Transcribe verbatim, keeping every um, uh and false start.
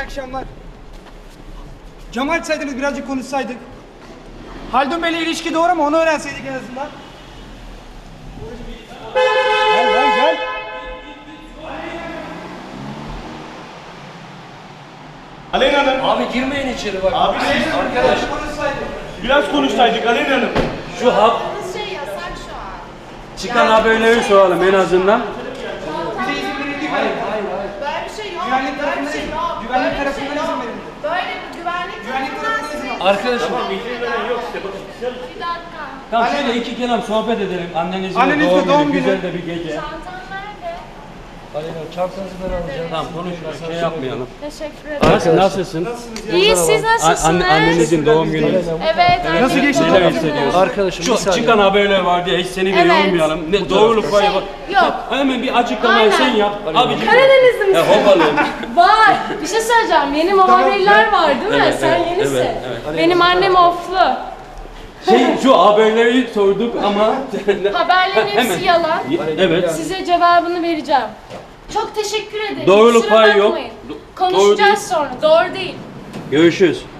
akşamlar. Cam açsaydınız birazcık konuşsaydık. Haldun Bey'le ilişki doğru mu? Onu öğrenseydik en azından. Gel lan gel. Aleyna Hanım. Abi girmeyin içeri bak. Abi Arkadaş biraz konuşsaydık Aleyna Hanım. şu hap Şey yasak şu an. çıkan haberleri soralım en azından. Bize izin verildi mi? Hayır hayır. Böyle bir şey yok. Güvenlik Böyle bir tarafından şey izin- yok. güvenlik Böyle bir tarafından şey yok. izin verildi. Böyle bir güvenlik Güvenlik tarafından tarafından izin size- alın. Arkadaşım. Tamam izin veren yok size bakın. Bir dakika. Tamam şöyle iki kelam sohbet edelim. Annenizin Annenizle doğum, doğum günü, günü. güzel de bir gece. Çantam nerede? Aleyna çantanızı ben alacağım. Tamam konuşma şey yapmayalım. Teşekkür ederim. Nasıl, nasılsın? İyi, siz A- nasılsınız? anne, annenizin doğum günü. Evet, Nasıl annemin geçti? doğum Neler günü. hissediyorsun? Arkadaşım bir Şu saniye. çıkan haberler var diye hiç seni de Evet. yormayalım. Ne doğruluk payı var. Yok. Hemen bir açıklamayı Aynen. sen yap. Abicim. Karadenizli misin? Ya hovalıyım. Vay! Bir şey söyleyeceğim. Yeni muhabirler var değil mi? Evet, Sen evet, yenisin. evet, evet. Benim annem oflu. Şey şu haberleri sorduk ama Haberlerin hepsi Hemen. yalan. evet. Size cevabını vereceğim. Çok teşekkür ederim. Doğruluk Kusura payı yok. bakmayın. Do- Konuşacağız sonra. Doğru değil. Görüşürüz.